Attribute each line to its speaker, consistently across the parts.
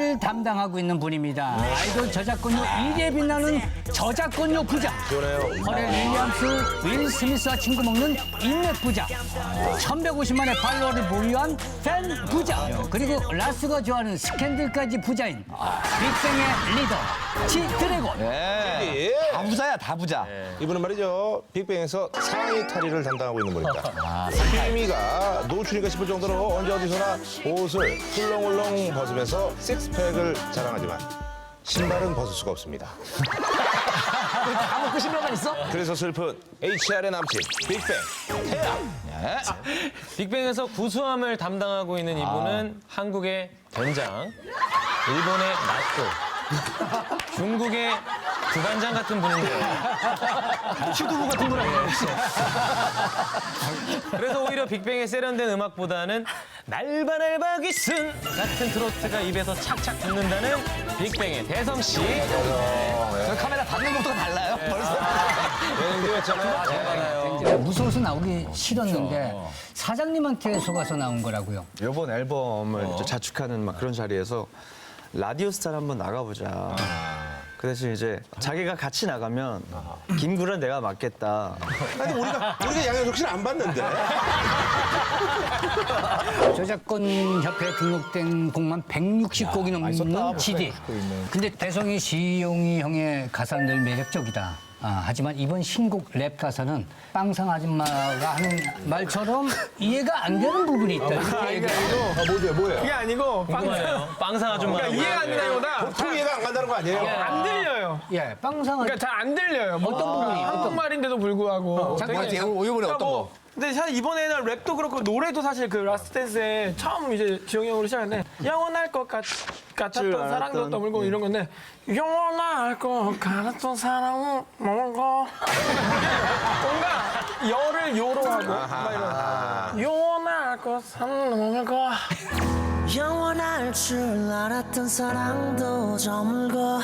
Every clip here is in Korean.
Speaker 1: 노래를 담당하고 있는 분입니다. 아이돌 저작권료 1위에 빛나는 저작권료 부자. 허렐 윌리엄스, 윌 스미스와 친구 먹는 인맥 부자. 1150만의 팔로워를 보유한 팬 부자. 그리고 라스가 좋아하는 스캔들까지 부자인 빅뱅의 리더 지드래곤.
Speaker 2: 다 부자야, 다 부자.
Speaker 3: 이분은 말이죠. 빅뱅에서 상의 탈의를 담당하고 있는 분입니다. 케미가 노출인가 싶을 정도로 언제 어디서나 옷을 훌렁훌렁 벗으면서 식스팩을 자랑하지만 신발은 벗을 수가 없습니다.
Speaker 2: 다 먹고 신발만 있어?
Speaker 3: 그래서 슬픈 HR의 남친 빅뱅 태양.
Speaker 4: 빅뱅에서 구수함을 담당하고 있는 이분은 한국의 된장, 일본의 나또, 중국의 두반장 같은 분인데요.
Speaker 2: 슈두부 같은 분 아니에요, 혹시?
Speaker 4: 그래서 오히려 빅뱅의 세련된 음악보다는 날바날바 기순 같은 트로트가 입에서 착착 붙는다는 빅뱅의 대성 씨.
Speaker 2: 저 카메라 받는 것부터가 달라요, 벌써.
Speaker 3: 예능되었잖아요.
Speaker 1: 무서워서 나오기 싫었는데 사장님한테 속아서 나온 거라고요.
Speaker 5: 이번 앨범을 이제 자축하는 막 그런 자리에서 라디오 스타를 한번 나가보자. 그 대신 이제 자기가 같이 나가면 김구라 내가 맡겠다.
Speaker 3: 근데 우리가 양현석 씨를 안 봤는데.
Speaker 1: 저작권 협회에 등록된 곡만 160곡이 넘는 CD. 근데 대성이 시용이 형의 가사는 늘 매력적이다. 하지만 이번 신곡 랩 가사는 빵상 아줌마가 하는 말처럼 이해가 안 되는 부분이 있다. 이렇게 얘기해요.
Speaker 3: 뭐예요?
Speaker 6: 그게 아니고
Speaker 4: 궁금하네요. 빵상 아줌마.
Speaker 6: 그러니까 이해가 안 된다기보다
Speaker 3: 보통 이해가 안 간다는 거 아니에요?
Speaker 6: 안 들려요.
Speaker 1: 예, 빵상 아줌마.
Speaker 6: 그러니까 잘 안 들려요.
Speaker 1: 어떤 부분이?
Speaker 6: 한국말인데도 불구하고.
Speaker 1: 잠깐만,
Speaker 6: 되게-
Speaker 5: 이번에 어떤 거?
Speaker 6: 근데 사실 이번에는 랩도 그렇고 노래도 사실 그 라스트 댄스에 처음 이제 지영이 형으로 시작했는데 영원할 것 같았던 사랑도 떠물고 이런 건데 영원할 것 같았던 사랑은 뭔가 뭔가 열을 요로 하고 막 이런 영원할 것 사랑은 뭔가
Speaker 7: 영원할 줄 알았던 사랑도 저물고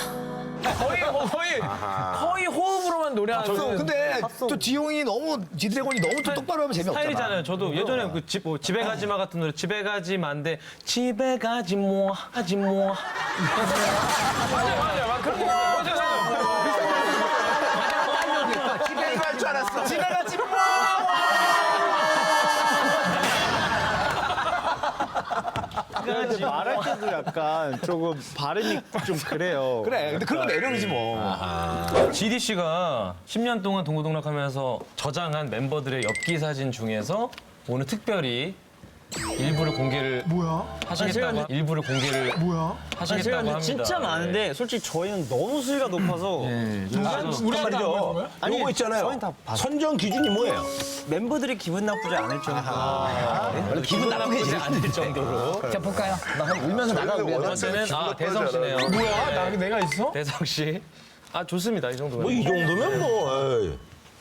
Speaker 6: 거의 호흡으로만 노래하는
Speaker 2: 근데 또 지용이 너무, 지드래곤이 너무 또 똑바로 하면 재미없잖아.
Speaker 4: 스타일이잖아요. 저도 예전에 그 집에 가지 마 같은 노래 집에 가지 마인데 집에 가지 뭐 하지 뭐.
Speaker 6: 맞아 그런 거 맞아
Speaker 3: 집에 갈 줄 알았어. 집에 가지 마.
Speaker 5: 말할 때도 약간 조금 발음이 좀 그래요.
Speaker 2: 그래, 근데 그런 거 매력이지 뭐.
Speaker 4: GD 씨가 10년 동안 동고동락하면서 저장한 멤버들의 엽기 사진 중에서 오늘 특별히 일부를 공개를 하시겠다고 일부를 공개를 하시겠다고 합니다.
Speaker 5: 진짜 많은데 솔직히 저희는 너무 수위가 높아서
Speaker 6: 우리가 말이죠
Speaker 3: 요거 있잖아요.
Speaker 5: 저희는 다 봤어요.
Speaker 3: 선정 기준이 뭐예요?
Speaker 5: 멤버들이 기분 나쁘지 않을 정도.
Speaker 4: 기분 나쁘지 않을 정도로.
Speaker 1: 자, 볼까요?
Speaker 2: 울면서 나가, 우리.
Speaker 4: 첫 번째는 대성 씨네요.
Speaker 6: 뭐야 내가 있어?
Speaker 4: 대성 씨. 좋습니다. 이 정도면.
Speaker 3: 뭐 이 정도면 뭐. 에이.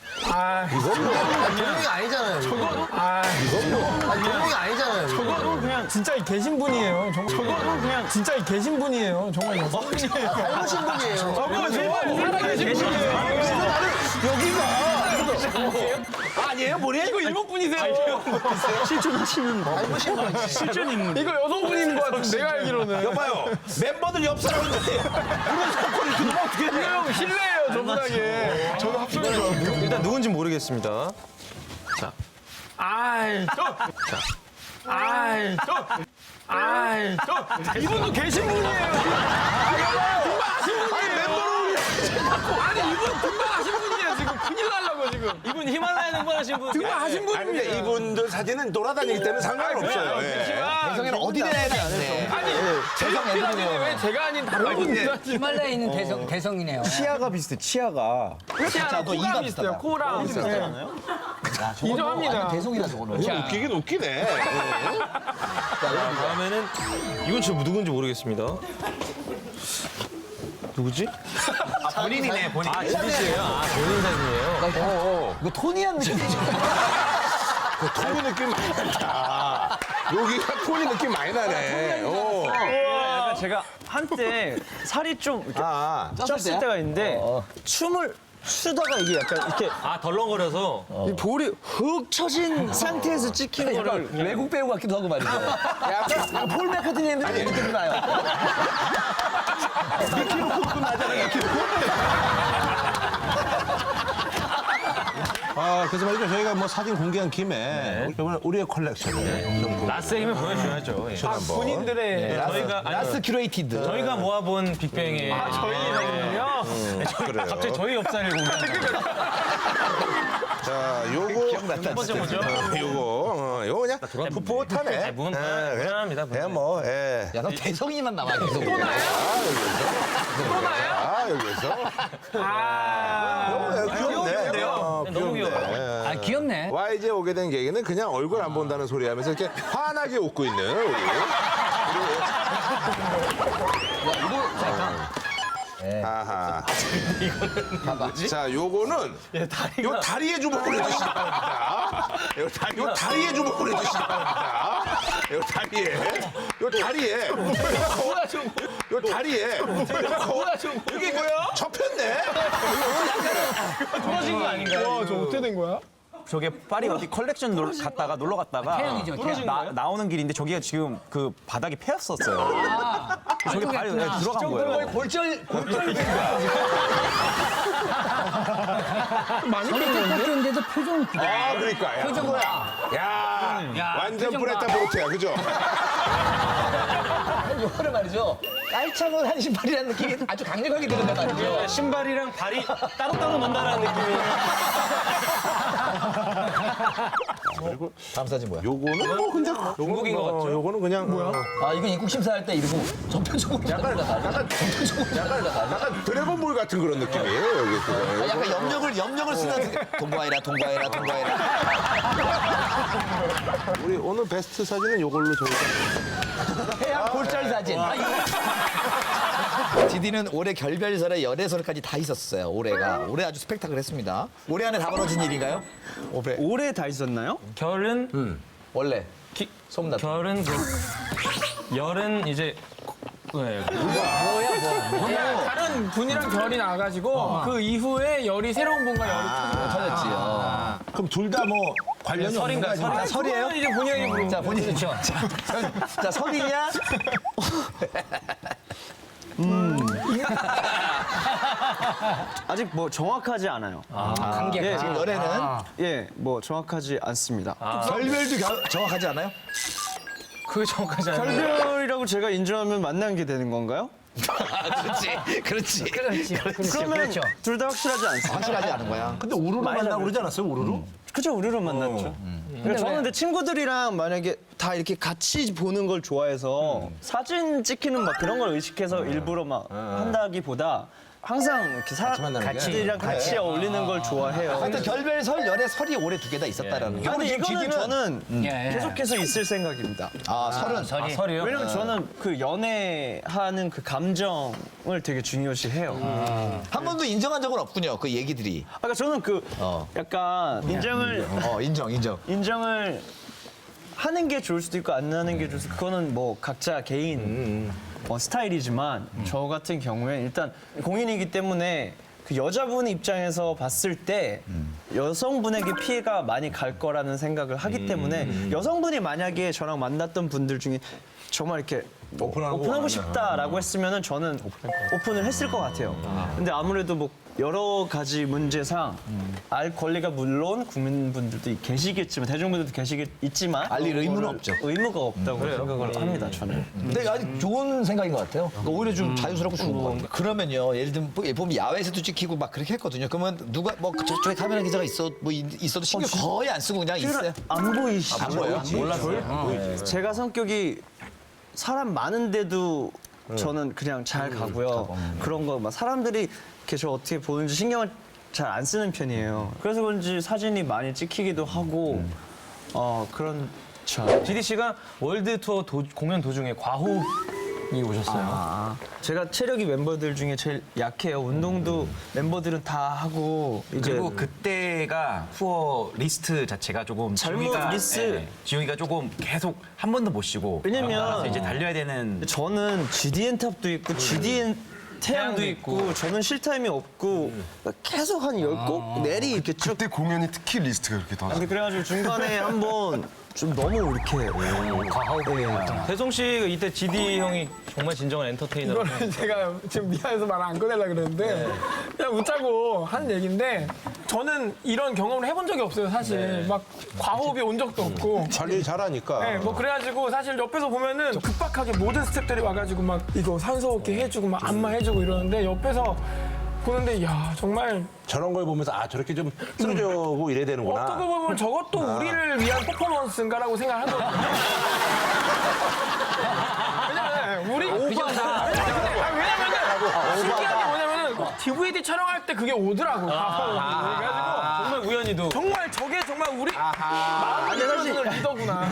Speaker 2: 조용히 아니잖아요.
Speaker 6: 저거는
Speaker 2: 아니잖아요.
Speaker 6: 저거는 그냥 진짜 계신 분이에요. 저거는 그냥 진짜 계신 분이에요. 정말 여성분이에요.
Speaker 2: 닮으신 분이에요.
Speaker 6: 살아계신 분이에요.
Speaker 2: 아니에요, 뭐래?
Speaker 6: 이거 일본 분이세요.
Speaker 2: 실존 인물.
Speaker 6: 이거 여성분인 것 같은데 내가 알기로는.
Speaker 3: 여봐요. 멤버들 옆 사람인데 이런 사건이 이렇게 넣으면 어떻게
Speaker 6: 이거
Speaker 3: 해?
Speaker 6: 형 실례예요 저분하게. 저는 합성인 줄 알고.
Speaker 4: 일단 누군지 모르겠습니다.
Speaker 6: 이분도 계신 분이에요. 아니 이분 등반하신 분이에요 지금 큰일 날라고 지금.
Speaker 4: 이분 히말라야 등반하신 분.
Speaker 6: 등반하신
Speaker 3: 아니 근데
Speaker 6: 분입니다.
Speaker 3: 이분들 사진은 돌아다니기 때문에 상관없어요. 예.
Speaker 2: 대성이는 어디 내야 되는데.
Speaker 6: 아니 제가 필요한데 왜 제가 아닌 다른 분들한테
Speaker 1: 히말라야에 있는 대성이네요.
Speaker 5: 치아가 비슷해, 치아가.
Speaker 6: 진짜 코랑 비슷해요. 코랑 비슷해요. 인정합니다.
Speaker 2: 대성이다, 저거는.
Speaker 3: 이거 웃기긴 웃기네.
Speaker 4: 다음에는 이건 저 누군지 모르겠습니다. 누구지?
Speaker 2: 본인이네, 본인.
Speaker 4: GD 씨예요. 본인 사진이에요.
Speaker 2: 이거 토니한 느낌이죠.
Speaker 3: 그 토니 느낌 많이 난다. 여기가 토니 느낌 많이 나네. 오.
Speaker 5: 약간 제가 한때 살이 좀 이렇게 쪘을 때가 있는데 춤을 추다가 이게 약간 이렇게
Speaker 4: 아 덜렁거려서
Speaker 5: 이 볼이 훅 쳐진 상태에서 찍힌 거를
Speaker 2: 외국 배우 같기도 하고 말이죠. 약간 폴 맥카트니 느낌이 나요. 미키로 쿵쿵 나잖아요.
Speaker 3: 그래서 말이죠. 저희가 뭐 사진 공개한 김에 이번에 우리의 컬렉션을 좀
Speaker 4: 라스의 힘을 보여줘야죠. 예.
Speaker 3: 한번.
Speaker 6: 군인들의
Speaker 4: 저희가
Speaker 2: 라스 큐레이티드.
Speaker 4: 저희가 모아본 빅뱅의
Speaker 6: 저희는요.
Speaker 3: 그래요.
Speaker 4: 갑자기 저희 엽사를 공개하는
Speaker 3: 자, 요거
Speaker 4: 첫 번째 뭐죠?
Speaker 3: 요거 그냥 풋풋하네.
Speaker 4: 무난합니다.
Speaker 3: 그냥 뭐 예.
Speaker 2: 야, 너 대성이만 나와 계속.
Speaker 3: 여기서
Speaker 6: 아.
Speaker 3: 귀엽네요.
Speaker 4: 너무 귀여워요.
Speaker 1: 아, 귀엽네.
Speaker 3: YG에 오게 된 계기는 그냥 얼굴 안 본다는 소리 하면서 이렇게 환하게 웃고 있는 우리. 아하. 자, 요거는 요 다리에 주먹을 해주시기 바랍니다. 요 다리에 주먹을 해주시기 바랍니다. 요 다리에. 요 다리에. 이게 뭐야? 접혔네?
Speaker 4: 부러진 거 아닌가요?
Speaker 6: 저 어떻게 된 거야?
Speaker 5: 저게 파리 어디 컬렉션 갔다가 놀러 갔다가
Speaker 1: 태양이죠, 태양.
Speaker 5: 나오는 길인데 저기가 지금 그 바닥이 패였었어요. 저기 발이 들어간 거예요.
Speaker 2: 골절
Speaker 1: 저렇게 깎였는데도 표정은 그래.
Speaker 3: 아, 그러니까. 야,
Speaker 1: 표정 뭐야?
Speaker 3: 야, 완전
Speaker 1: 표정 봐.
Speaker 3: 브레타 보르테야, 그죠?
Speaker 2: 요거는 말이죠. 깔창을 한 신발이라는 느낌이 아주 강력하게 드는단 말이죠.
Speaker 4: 신발이랑 발이 따로따로 논다라는 느낌이.
Speaker 3: 그리고
Speaker 2: 다음 사진 뭐야?
Speaker 3: 요거는 뭐 그냥
Speaker 4: 중국인 것 같죠?
Speaker 3: 요거는 그냥 뭐야?
Speaker 2: 아, 이건 입국 심사할 때 이러고 전편적으로 약간
Speaker 3: 드래곤볼 같은 그런 느낌이에요, 여기.
Speaker 2: 약간 염력을 쓰는 동거해라.
Speaker 3: 우리 오늘 베스트 사진은 요걸로 저희가.
Speaker 2: 해양 골절 사진. 디디는 올해 결별설에 연애설까지 다 있었어요. 올해 아주 스펙타클했습니다. 올해 안에 다 벌어진 일인가요?
Speaker 5: 올해 다 있었나요?
Speaker 4: 결은
Speaker 2: 원래 소문났.
Speaker 4: 결은 열은 이제 네.
Speaker 6: 다른 분이랑 결이 나가지고 그 이후에 열이 새로운 분과 열이
Speaker 2: 터졌지.
Speaker 3: 그럼 둘 다 뭐 관련이 없는 거 아니야?
Speaker 6: 터졌지. 설이에요? 이제 본인이 부르는
Speaker 2: 자, 본인이 자, 설이냐?
Speaker 5: 아직 뭐 정확하지 않아요.
Speaker 1: 관계가.
Speaker 2: 지금 연애는
Speaker 5: 예, 뭐 정확하지 않습니다.
Speaker 2: 결별도 정확하지 않아요?
Speaker 4: 그게 정확하지 않아요.
Speaker 5: 결별이라고 제가 인정하면 만난 게 되는 건가요?
Speaker 2: 그렇지.
Speaker 5: 그러면
Speaker 1: 그렇죠.
Speaker 5: 둘 다 확실하지 않습니다.
Speaker 2: 확실하지 않은 거야.
Speaker 3: 근데 우르르 만나고 그러지 않았어요, 우르르?
Speaker 5: 그죠, 우르르 만났죠. 그러니까 저는 근데 친구들이랑 만약에 다 이렇게 같이 보는 걸 좋아해서 사진 찍히는 막 그런 걸 의식해서 일부러 막 한다기보다 항상 이렇게 같이들이랑 같이 어울리는 걸 좋아해요.
Speaker 2: 하여튼 결별설, 연애설이 올해 두 개 다 있었다라는 거.
Speaker 5: 근데 이거는 저는
Speaker 1: 예.
Speaker 5: 계속해서 있을 생각입니다.
Speaker 2: 설은.
Speaker 4: 설이요?
Speaker 5: 왜냐면 저는 그 연애하는 그 감정을 되게 중요시해요.
Speaker 2: 한 번도 인정한 적은 없군요. 그 얘기들이.
Speaker 5: 아까 저는 그 약간 인정을 인정을 하는 게 좋을 수도 있고 안 하는 게 좋을 수도 있고 그거는 뭐 각자 개인 스타일이지만 저 같은 경우에 일단 공인이기 때문에 그 여자분의 입장에서 봤을 때 여성분에게 피해가 많이 갈 거라는 생각을 하기 때문에 여성분이 만약에 저랑 만났던 분들 중에 정말 이렇게 오픈하고 싶다라고 했으면은 저는 오픈을 했을 것 같아요. 근데 아무래도 뭐 여러 가지 문제상 알 권리가 물론 국민분들도 계시겠지만 대중분들도 계시겠지만
Speaker 2: 알릴 의무는 없죠.
Speaker 5: 의무가 없다고 생각을 합니다. 저는.
Speaker 2: 근데 아주 좋은 생각인 것 같아요. 그러니까 오히려 좀 자유스럽고 좋은 것 같아요. 그러면요, 예를 들면 보면 야외에서도 찍히고 막 그렇게 했거든요. 그러면 누가 뭐 저쪽에 카메라 기자가 있어도 신경 거의 안 쓰고 그냥 있어요.
Speaker 5: 안 보이시죠?
Speaker 2: 안 보여요?
Speaker 5: 몰랐어요. 제가 성격이 사람 많은데도 저는 그냥 잘 가고요. 그런 거 막 사람들이 이렇게 저 어떻게 보는지 신경을 잘 안 쓰는 편이에요. 그래서 그런지 사진이 많이 찍히기도 하고 그렇죠.
Speaker 4: 디디 씨가 월드 투어 공연 도중에 과호흡이 오셨어요.
Speaker 5: 제가 체력이 멤버들 중에 제일 약해요. 운동도 멤버들은 다 하고 이제
Speaker 8: 그리고 그때가 투어 리스트 자체가 조금
Speaker 5: 잘못
Speaker 8: 지용이가 조금 계속 한 번도 못 쉬고
Speaker 5: 왜냐면
Speaker 8: 그래서 이제 달려야 되는
Speaker 5: 저는 GDN 탑도 있고 GDN 태양도 있고 저는 쉴 타임이 없고 계속 한 10곡 내리 이렇게 쭉.
Speaker 9: 그때 공연이 특히 리스트가 그렇게 더.
Speaker 5: 근데 그래가지고 중간에 한번 좀 너무 이렇게
Speaker 4: 대성 씨가 이때 GD 형이 정말 진정한 엔터테이너라고.
Speaker 6: 이거는 제가 지금 미안해서 말 안 꺼내려고 그랬는데 그냥 웃자고 하는 얘기인데 저는 이런 경험을 해본 적이 없어요 사실. 막 과호흡이 온 적도 없고.
Speaker 3: 관리 잘하니까.
Speaker 6: 네, 뭐 그래가지고 사실 옆에서 보면은 급박하게 모든 스태프들이 와가지고 막 이거 산소호흡기 해주고 막 안마 해주고 이러는데 옆에서 보는데 야 정말
Speaker 3: 저런 걸 보면서 아 저렇게 좀 쓰러져고 이래야 되는구나.
Speaker 6: 어떻게 보면 저것도 우리를 위한 퍼포먼스인가라고 생각을 하거든요. 왜냐면 우리 오바다. 왜냐면은 신기한 게 뭐냐면은 DVD 촬영할 때 그게 오더라고. 그래가지고
Speaker 4: 정말 우연히도.
Speaker 6: 정말 저게 정말 우리 마음을 열어주는 리더구나.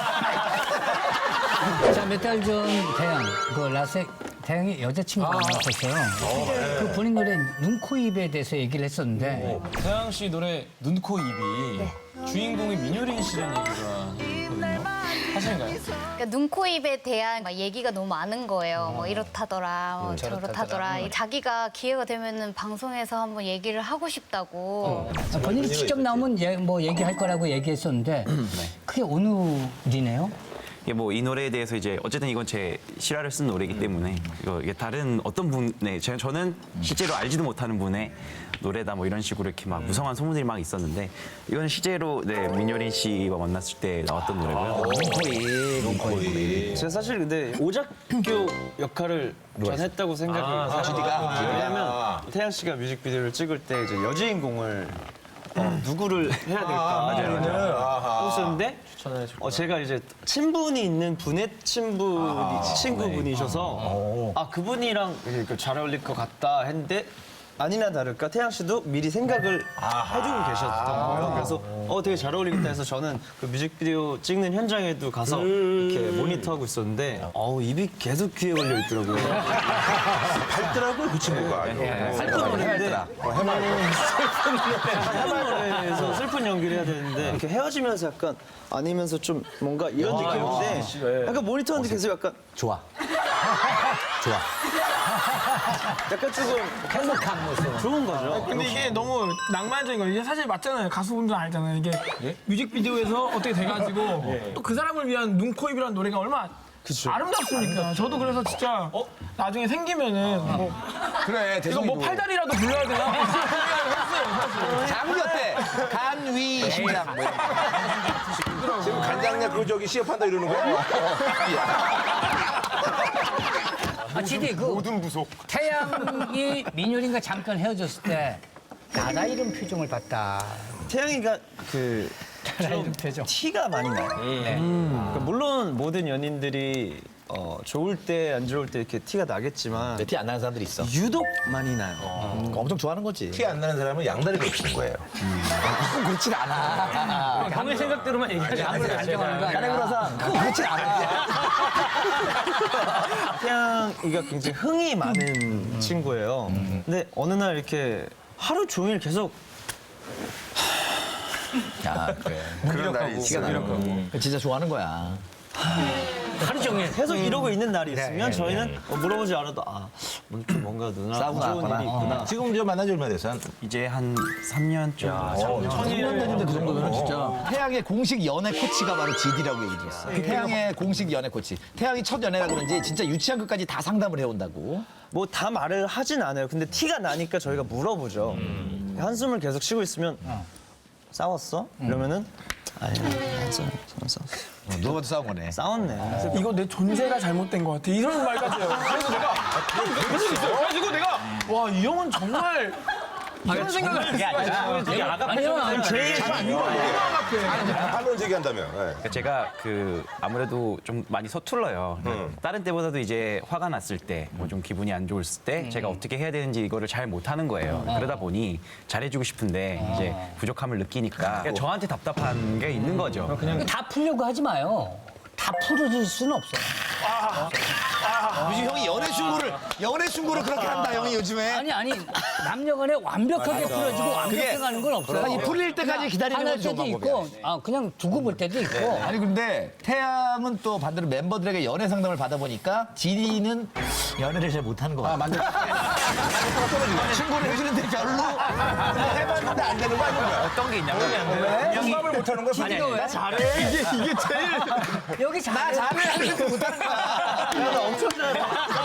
Speaker 1: 자, 몇 달 전 태양, 태양이 여자친구가 있었어요. 그 본인 노래 눈, 코, 입에 대해서 얘기를 했었는데
Speaker 4: 태양 씨 노래 눈, 코, 입이 주인공이 민효린 씨라는 얘기가 있거든요. 사실인가요?
Speaker 10: 그러니까 눈, 코, 입에 대한 막 얘기가 너무 많은 거예요. 뭐 이렇다더라, 뭐 저렇다더라. 자기가 기회가 되면은 방송에서 한번 얘기를 하고 싶다고.
Speaker 1: 본인이 직접 나오면 뭐 얘기할 거라고 얘기했었는데 그게 오늘이네요.
Speaker 8: 이게 뭐 이 노래에 대해서 이제 어쨌든 이건 제 실화를 쓴 노래이기 때문에 이게 다른 어떤 분의 저는 실제로 알지도 못하는 분의 노래다 뭐 이런 식으로 이렇게 막 무성한 소문들이 막 있었는데 이건 실제로 민효린 씨와 만났을 때 나왔던 노래고요.
Speaker 2: 눈코입.
Speaker 5: 제가 사실 근데 오작교 역할을 전 했다고 생각을
Speaker 2: GD가?
Speaker 5: 왜냐면 태양 씨가 뮤직비디오를 찍을 때 이제 여주인공을 누구를 해야 될까 하고 있었는데 제가 이제 친분이 있는 분의 친구분이셔서 그분이랑 이렇게 잘 어울릴 것 같다 했는데 아니나 다를까 태양 씨도 미리 생각을 해주고 계셨던 거예요. 그래서 되게 잘 어울리겠다 해서 저는 그 뮤직비디오 찍는 현장에도 가서 이렇게 모니터하고 있었는데 입이 계속 귀에 걸려 있더라고요.
Speaker 3: 밝더라고요 그 친구가.
Speaker 5: 슬픈 노래인데 슬픈 노래에서 슬픈 연기를 해야 되는데 이렇게 헤어지면서 약간 아니면서 좀 뭔가 이런 느낌인데 약간 모니터하는데 계속 약간
Speaker 2: 좋아.
Speaker 5: 약간 조금 행복한 모습 좋은 거죠.
Speaker 6: 근데 이게 너무 낭만적인 거예요. 이게 사실 맞잖아요. 가수분들 알잖아요. 이게 뮤직비디오에서 어떻게 돼가지고 또 그 사람을 위한 눈, 코, 입이라는 노래가 얼마나 아름답습니까? 저도 그래서 진짜 나중에 생기면은 뭐
Speaker 2: 그래,
Speaker 6: 이거
Speaker 2: 대성이도.
Speaker 6: 뭐 팔다리라도 불러야 되나? 했어요, 사실.
Speaker 2: 장기 어때? 간, 위, 심장. 뭐 이런 거.
Speaker 3: 지금 간장약 그 저기 시합한다 이러는 거야?
Speaker 1: GD
Speaker 9: 모든 부속.
Speaker 1: 태양이 민효린과 잠깐 헤어졌을 때 나다 이런 표정을 봤다.
Speaker 5: 태양이가 그
Speaker 1: 나다 이런 표정.
Speaker 5: 티가 많이 나요. 그러니까 물론 모든 연인들이 좋을 때 안 좋을 때 이렇게 티가 나겠지만
Speaker 2: 티 안 나는 사람들이 있어.
Speaker 5: 유독 많이 나요.
Speaker 2: 엄청 좋아하는 거지.
Speaker 3: 티 안 나는 사람은 양다리가 없는 거예요.
Speaker 2: 그건 그렇진 않아.
Speaker 4: 형의 생각대로만 얘기하지 않아요.
Speaker 1: 안정하는 거 아니야?
Speaker 2: 까내그라서 그건 그렇진 않아.
Speaker 5: 태양이가 굉장히 흥이 많은 친구예요. 근데 어느 날 이렇게 하루 종일 계속
Speaker 2: 그래.
Speaker 9: 그런 날이
Speaker 2: 티가
Speaker 9: 있어요.
Speaker 2: 나는 거. 진짜 좋아하는 거야.
Speaker 1: 하루 종일.
Speaker 5: 계속 이러고 있는 날이 있으면 저희는 물어보지 않아도 오늘 좀 뭔가 누나
Speaker 2: 싸우고
Speaker 5: 안 좋은
Speaker 2: 나왔구나.
Speaker 5: 일이 있구나.
Speaker 3: 지금 저 만난 지 얼마 됐어?
Speaker 8: 이제 한 3년쯤.
Speaker 2: 3년 됐는데 그 정도면 진짜. 태양의 공식 연애 코치가 바로 GD라고 얘기 들었어. 태양의 공식 연애 코치. 태양이 첫 연애라 그런지 진짜 유치한 것까지 다 상담을 해온다고.
Speaker 5: 뭐 다 말을 하진 않아요. 근데 티가 나니까 저희가 물어보죠. 한숨을 계속 쉬고 있으면 싸웠어? 이러면은 아니야, 안 싸웠어.
Speaker 2: 누가 봐도 싸운 거네.
Speaker 5: 싸웠네. 그래서
Speaker 6: 이거 내 존재가 잘못된 것 같아. 이런 말까지 해요. 그래서 내가 계속 있어요. 그래가지고 내가 와, 이 형은 정말 이런 생각을 할 수가 있어.
Speaker 4: 되게 아가페.
Speaker 5: 제일
Speaker 3: 반론 제기한다면. 네.
Speaker 8: 그러니까 제가 아무래도 좀 많이 서툴러요. 다른 때보다도 이제 화가 났을 때, 뭐 좀 기분이 안 좋을 때 제가 어떻게 해야 되는지 이거를 잘 못하는 거예요. 그러다 보니 잘해주고 싶은데 이제 부족함을 느끼니까 그러니까 저한테 답답한 게 있는 거죠.
Speaker 1: 다 풀려고 하지 마요. 다 풀어줄 수는 없어.
Speaker 2: 요즘 형이 연애 충고를 그렇게 한다 형이 요즘에.
Speaker 1: 아니 남녀간에 완벽하게 풀어지고 완벽해 가는 건 없어요.
Speaker 2: 이 풀릴 때까지 기다리는
Speaker 1: 화날
Speaker 2: 건 좋은
Speaker 1: 때도
Speaker 2: 방법이야.
Speaker 1: 있고 그냥 두고 볼 때도 있고.
Speaker 2: 아니 근데 태양은 또 반대로 멤버들에게 연애 상담을 받아보니까 진이는 연애를 잘 못하는 것 같아. 만족도가 떨어지고 친구를 해주는데 별로 해봤는데 안 되는 거 아니야?
Speaker 8: 어떤 게 있냐면
Speaker 3: 공감을 못하는 거야.
Speaker 1: 진이가 왜?
Speaker 2: 잘해. 이게 제일
Speaker 1: 여기
Speaker 2: 나 잘해 하는데 못하는 거야. 나 엄청 잘해.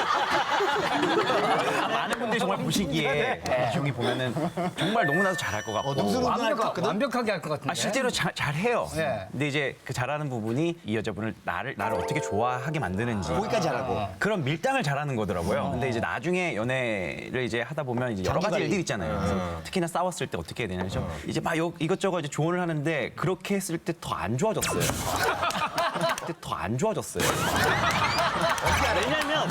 Speaker 8: 많은 분들이 정말 보시기에 이 형이 보면은 정말 너무나도 잘할 것 같고
Speaker 2: 능수능란할 것 같거든.
Speaker 1: 완벽하게 할 것 같은데.
Speaker 8: 실제로 잘해요.
Speaker 1: 네.
Speaker 8: 근데 이제 그 잘하는 부분이 이 여자분을 나를 어떻게 좋아하게 만드는지
Speaker 2: 거기까지 잘하고.
Speaker 8: 그런 밀당을 잘하는 거더라고요. 근데 이제 나중에 연애를 이제 하다 보면 이제 여러 가지
Speaker 2: 장기가
Speaker 8: 일들이 있잖아요. 그래서 특히나 싸웠을 때 어떻게 해야 되냐죠. 이제 막 이것저것 이제 조언을 하는데 그렇게 했을 때 더 안 좋아졌어요. 그때 더 안 좋아졌어요.
Speaker 5: 왜냐면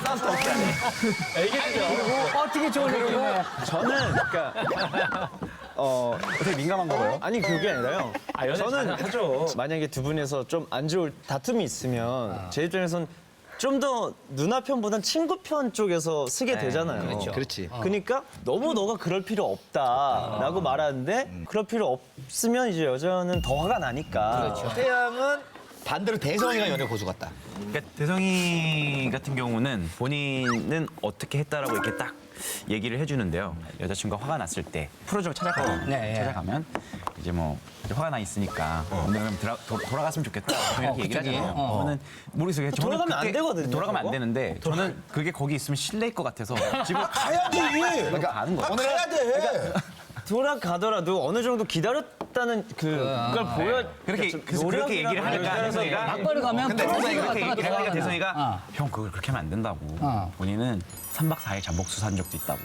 Speaker 1: 어떻게 좋으려고
Speaker 5: 저는 그러니까
Speaker 8: 되게 민감한가 봐요.
Speaker 5: 아니 그게 아니라요. 저는
Speaker 4: 하죠.
Speaker 5: 만약에 두 분에서 좀 안 좋을 다툼이 있으면 제 입장에선 좀 더 누나 편보단 친구 편 쪽에서 쓰게 되잖아요.
Speaker 2: 그렇지.
Speaker 5: 그러니까 너무 너가 그럴 필요 없다라고 말하는데 그럴 필요 없으면 이제 여자는 더 화가 나니까.
Speaker 2: 태양은 반대로 대성이가 연애 고수 같다.
Speaker 8: 그러니까 대성이 같은 경우는 본인은 어떻게 했다라고 이렇게 딱 얘기를 해주는데요. 여자친구가 화가 났을 때 프로적으로 찾아가면,
Speaker 1: 네, 예.
Speaker 8: 찾아가면 이제 뭐 이제 화가 나 있으니까 오늘은 돌아갔으면 좋겠다 이렇게 얘기를
Speaker 1: 갑자기?
Speaker 8: 하잖아요. 저는 모르겠어요. 저는
Speaker 5: 돌아가면 안 되거든요,
Speaker 8: 돌아가면 안
Speaker 5: 그거?
Speaker 8: 되는데 저는 그게 거기 있으면 실례일 것 같아서 집에
Speaker 3: 가야지.
Speaker 8: 그러니까 가는 거예요.
Speaker 3: 오늘 가야 돼.
Speaker 5: 돌아가더라도 어느 정도 기다렸다는 그걸 보여.
Speaker 8: 그래서 그렇게 얘기를 하니까 대성이가
Speaker 1: 막바로 가면
Speaker 2: 근데
Speaker 1: 프로젝트
Speaker 8: 그렇게
Speaker 1: 같은 거
Speaker 8: 얘기를 하니까
Speaker 1: 들어가잖아.
Speaker 8: 대성이가 형 그걸 그렇게 하면 안 된다고. 본인은 3박 4일 잠복수 산 적도 있다고.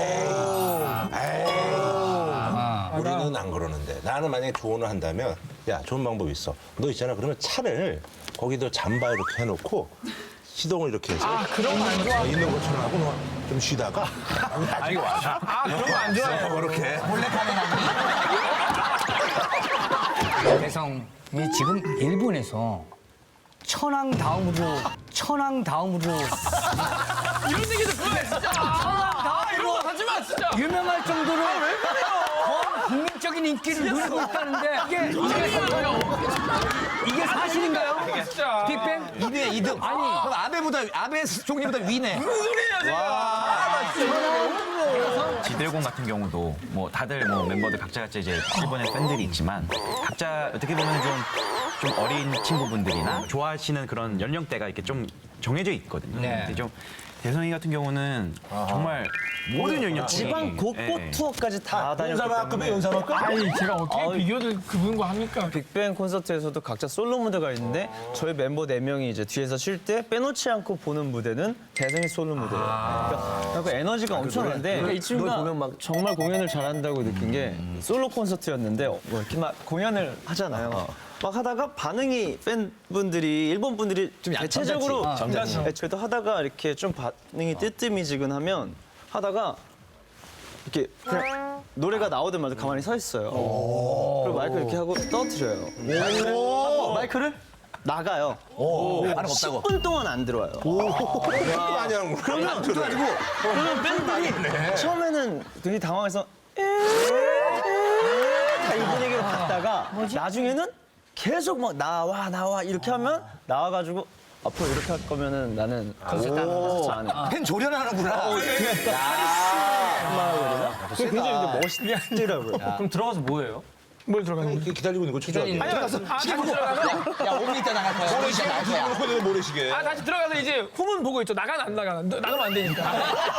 Speaker 3: 우리는 안 그러는데 나는 만약에 조언을 한다면 야 좋은 방법이 있어. 너 있잖아. 그러면 차를 거기다 잠바 이렇게 해놓고 시동을 이렇게 해서
Speaker 6: 그런 거 안 좋아.
Speaker 3: 있는 것처럼 하고 너 좀 쉬다가 나중에 와.
Speaker 6: 그런 거 안 좋아해요.
Speaker 3: 그렇게.
Speaker 1: 대성이 지금 일본에서 천황 다음으로
Speaker 6: 이런 얘기도 그래 진짜. 이런 거 하지 마 진짜.
Speaker 1: 유명할 정도로 더 국민적인 인기를 누리고 있다는데 이게 사실인가요?
Speaker 6: 진짜.
Speaker 1: 빅뱅?
Speaker 2: 2등. 아니, 그럼 아베 총리보다 위네.
Speaker 6: 무슨 소리야 제가.
Speaker 8: 지드래곤 같은 경우도 뭐 다들 뭐 멤버들 각자 이제 일본의 팬들이 있지만 각자 어떻게 보면 좀 어린 친구분들이나 좋아하시는 그런 연령대가 이렇게 좀 정해져 있거든요.
Speaker 1: 네.
Speaker 8: 근데 좀 대성이 같은 경우는 정말 모든 연령대
Speaker 5: 지방 곳곳 투어까지 다 다녔기 때문에.
Speaker 3: 연사만큼?
Speaker 6: 아니 제가 어떻게 비교를 그분과 합니까?
Speaker 5: 빅뱅 콘서트에서도 각자 솔로 무대가 있는데 저희 멤버 4명이 이제 뒤에서 쉴 때 빼놓지 않고 보는 무대는 대성이 솔로 무대예요. 그러니까 에너지가 엄청난데 이 친구가 보면 막 정말 공연을 잘한다고 느낀 게 솔로 콘서트였는데 뭐 이렇게 막 공연을 하잖아요. 막 하다가 반응이 팬분들이 일본 분들이 좀 대체적으로 네, 저희도 하다가 이렇게 좀 반응이 뜨뜨미지근하면 하다가 이렇게 그냥 노래가 나오자마자 가만히 서 있어요. 그리고 마이크 이렇게 하고 떠들어요. 마이크를 나가요.
Speaker 2: 반응 없다고.
Speaker 5: 10분 동안 안 들어와요.
Speaker 3: 많이 하는 거.
Speaker 5: 그러면 팬들이 처음에는 되게 당황해서 다 이 분위기로 갔다가 나중에는 계속 막 나와 이렇게 하면 나와가지고 앞으로 이렇게 할 거면은 나는 콘서트 안 해.
Speaker 2: 팬 조련하는구나.
Speaker 5: 굉장히 멋있더라고요.
Speaker 4: 그럼 들어가서 뭐 해요?
Speaker 6: 뭘 들어가는 거지?
Speaker 3: 기다리고 있는 거 추적하게.
Speaker 6: 다시 들어가서
Speaker 2: 야, 5분 있다 나갈 거야. 모래시계 나갈 거야.
Speaker 3: 놓고 내가 모래시계.
Speaker 6: 다시 들어가서 이제 후문 보고 있죠. 나가면 안 나가면 안 되니까.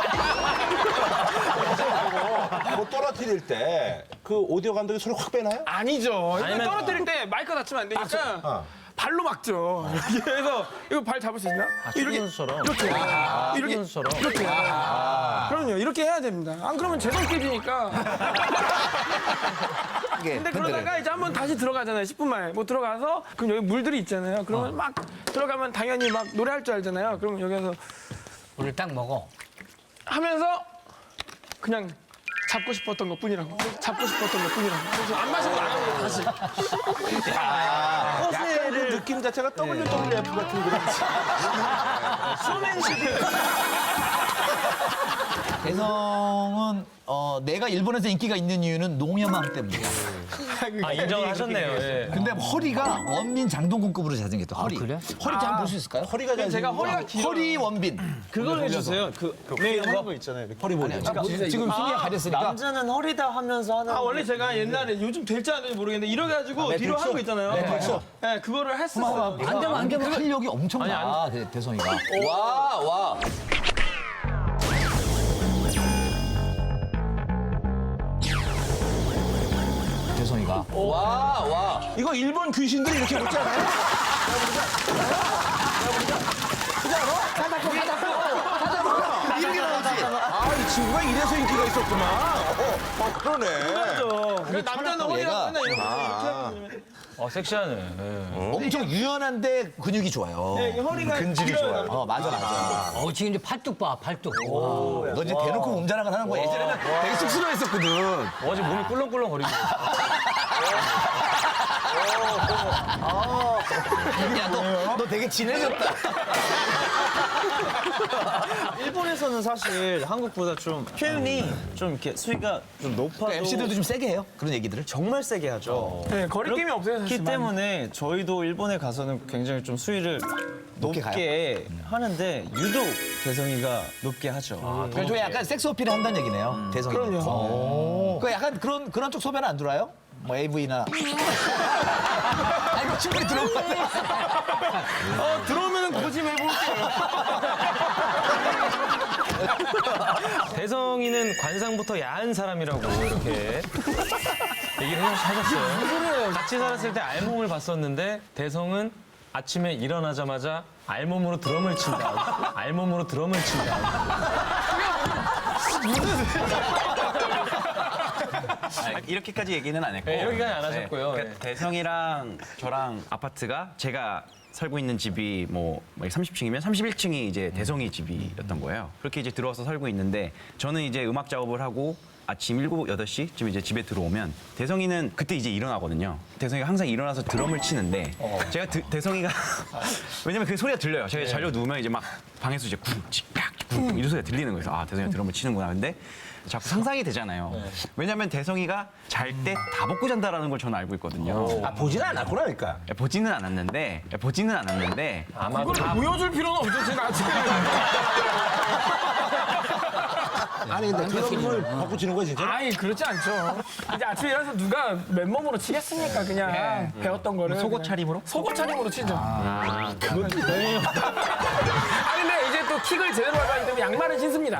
Speaker 3: 뭐 떨어뜨릴 때 그 오디오 감독이 소리 확 빼나요?
Speaker 6: 아니죠. 이거 떨어뜨릴 때 마이크 다치면 안 되니까 발로 막죠. 이렇게 해서 이거 발 잡을 수 있나? 이렇게 이렇게 그럼요. 이렇게 해야 됩니다. 안 그러면 재성 깨지니까. 근데 그러다가 이제 한번 다시 들어가잖아요. 10분 만에 뭐 들어가서 그럼 여기 물들이 있잖아요. 그러면 막 들어가면 당연히 막 노래할 줄 알잖아요. 그럼 여기서
Speaker 1: 물을 딱 먹어.
Speaker 6: 하면서 그냥 잡고 싶었던 것뿐이라고. 그래서 안 마시고 나가고 다시.
Speaker 3: 약간 그 느낌 자체가 WWF 같은 그런.
Speaker 5: 쇼맨십.
Speaker 2: 대성은 내가 일본에서 인기가 있는 이유는 농염함 때문이야.
Speaker 4: 아, 인정을 하셨네요. 예.
Speaker 2: 근데 허리가 원빈 장동건급으로 잘생겼다. 허리.
Speaker 1: 그래?
Speaker 2: 허리 좀 한번 볼 수 있을까요? 허리가
Speaker 6: 제가 허리가 길어요.
Speaker 2: 허리 원빈.
Speaker 5: 그걸 해주세요. 네, 하는 거 있잖아요. 이렇게.
Speaker 2: 허리 보내. 지금 승희가 가렸으니까.
Speaker 5: 남자는 허리다 하면서 하는.
Speaker 6: 아 원래 제가 옛날에 요즘 될지 안 될지 모르겠는데 이렇게 가지고 뒤로 하는 거 있잖아요. 네, 그거를 했었어요.
Speaker 2: 안 되면 활력이 엄청나. 대성이가. 와. 대성이가. 와.
Speaker 3: 이거 일본 귀신들이 이렇게 먹지 않아요?
Speaker 2: 이렇게 나오지.
Speaker 3: 아, 이 친구가 이래서 인기가 있었구나. 그러네.
Speaker 6: 남자는 허리가 맨날 이렇게
Speaker 4: 섹시하네. 예.
Speaker 2: 엄청 유연한데 근육이 좋아요.
Speaker 6: 네, 허리가
Speaker 3: 근질이 좋아요.
Speaker 2: 맞아.
Speaker 1: 지금 이제 팔뚝 봐, 팔뚝.
Speaker 2: 너 이제 대놓고 몸 자랑을 하는 거야. 예전에는 되게 쑥스러워했었거든.
Speaker 4: 어제 몸이 꿀렁꿀렁거리고.
Speaker 2: 야, 너 되게 진해졌다.
Speaker 5: 일본에서는 사실 한국보다 좀 표현이 좀 이렇게 수위가 좀 높아도
Speaker 2: MC들도 좀 세게 해요. 그런 얘기들을.
Speaker 5: 정말 세게 하죠.
Speaker 6: 네, 거리낌이 없어요 사실.
Speaker 5: 그렇기 때문에 저희도 일본에 가서는 굉장히 좀 수위를 높게 하는데 유독 대성이가 높게 하죠.
Speaker 2: 그래서 약간 섹스 어필을 한다는 얘기네요. 대성이. 그럼요. 그 약간 그런 쪽 소변 안 들어와요? 뭐 AV나. 아니 뭐 충분히 들어오고.
Speaker 6: 들어오면은 고집해볼게요.
Speaker 4: 대성이는 관상부터 야한 사람이라고 이렇게 얘기를 하셨어요. 같이 살았을 때 알몸을 봤었는데 대성은 아침에 일어나자마자 알몸으로 드럼을 친다. 알몸으로 드럼을 친다.
Speaker 8: 이렇게까지 얘기는 안 했고.
Speaker 4: 네, 이렇게까지 안 하셨고요.
Speaker 8: 그러니까 대성이랑 저랑 아파트가 제가 살고 있는 집이 뭐 30층이면 31층이 이제 대성이 집이었던 거예요. 그렇게 이제 들어와서 살고 있는데 저는 이제 음악 작업을 하고 아침 7, 8시쯤 이제 집에 들어오면 대성이는 그때 이제 일어나거든요. 대성이가 항상 일어나서 드럼을 치는데 제가 대성이가 왜냐면 그 소리가 들려요. 제가 자려 누우면 이제 막 방에서 이제 쿵 이런 소리가 들리는 거예요. 아, 대성이가 드럼을 치는구나. 근데 자꾸 상상이 되잖아요. 왜냐면 대성이가 잘 때 다 벗고 잔다라는 걸 저는 알고 있거든요.
Speaker 3: 보지는 않았구나니까.
Speaker 8: 보지는 않았는데 아마
Speaker 6: 그걸 보여줄 필요는 없죠 제가 아침에.
Speaker 3: 아니, 근데 드럼을 벗고 치는 거야, 진짜?
Speaker 6: 아이 그렇지 않죠. 이제 아침에 일어나서 누가 맨몸으로 치겠습니까 그냥 배웠던 거를.
Speaker 8: 속옷 차림으로?
Speaker 6: 속옷 차림으로 치죠. 그것도 네. 아니 근데 이제 또 킥을 제대로 하기 때문에 양말은 신습니다.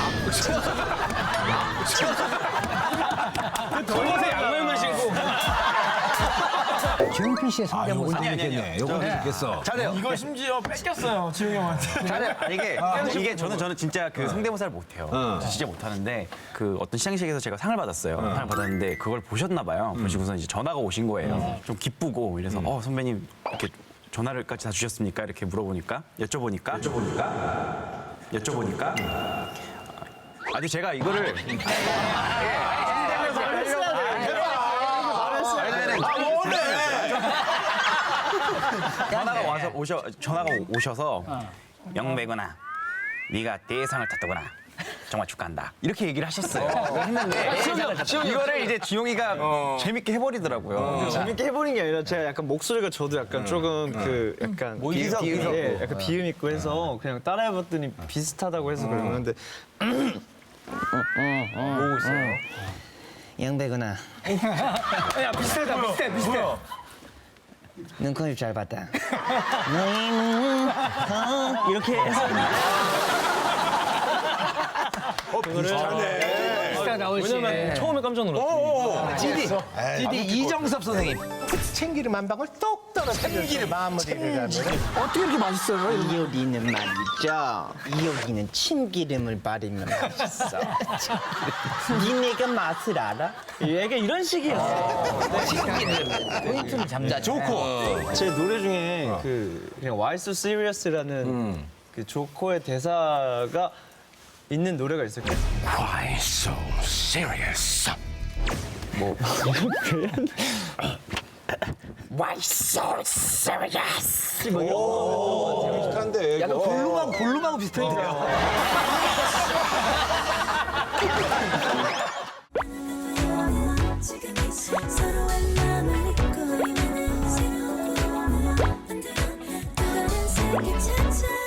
Speaker 4: 속옷에 양말만 신고.
Speaker 1: 조용필 씨의 성대모사.
Speaker 3: 요건 재밌겠네. 요건 재밌겠어.
Speaker 2: 잘해요.
Speaker 6: 이걸 심지어 뺏겼어요 지웅 형한테.
Speaker 8: 아니, 이게 저는 진짜 그 성대모사를 못해요. 저 진짜 못하는데 그 어떤 시상식에서 제가 상을 받았어요. 상을 받았는데 그걸 보셨나 봐요. 보시고서 이제 전화가 오신 거예요. 좀 기쁘고 이래서 선배님 이렇게 전화를까지 다 주셨습니까? 이렇게 물어보니까 여쭤보니까 아니 제가 이거를 전화가 오셔서 영배구나 네가 대상을 탔더구나 정말 축하한다 이렇게 얘기를 하셨어요. 했는데 이거를 이제 지용이가 재밌게 해버리더라고요.
Speaker 5: 재밌게 해보는 게 아니라 제가 약간 목소리가 저도 약간 조금 그 약간 비음 약간 비음 있고 해서 그냥 따라해봤더니 비슷하다고 해서 그러는데
Speaker 4: 모으고 있어요.
Speaker 5: 양배구나
Speaker 6: 야 비슷해.
Speaker 5: 눈코입 잘 봤다. 너의 눈 이렇게 해서
Speaker 3: 비슷하네.
Speaker 1: 비슷하다, 훨씬.
Speaker 4: 왜냐면 처음에 깜짝 놀랐어요.
Speaker 2: GD 이정섭 선생님.
Speaker 3: 참기름 한 방울 똑 떨어뜨려서 마무리를 하면
Speaker 6: 어떻게 이렇게 맛있어요?
Speaker 5: 이 요리는 말이죠. 이 요리는 참기름을 바르면 맛있어. 니네가 맛을 알아? 얘가 이런 식이었어요.
Speaker 1: 포인트를 잡자.
Speaker 2: 좋고.
Speaker 5: 제 노래 중에 그 그냥 Why So Serious라는 그 조커의 대사가 있는 노래가 있어요.
Speaker 3: Why so serious?
Speaker 7: Why so serious?
Speaker 3: 비슷한데,
Speaker 2: 약간
Speaker 3: 이거.
Speaker 2: 골룸하고 비슷한데요.
Speaker 7: 서로의 마음을 잊고 있는 새로운 꿈을 만들어 또 다른 세계 찾아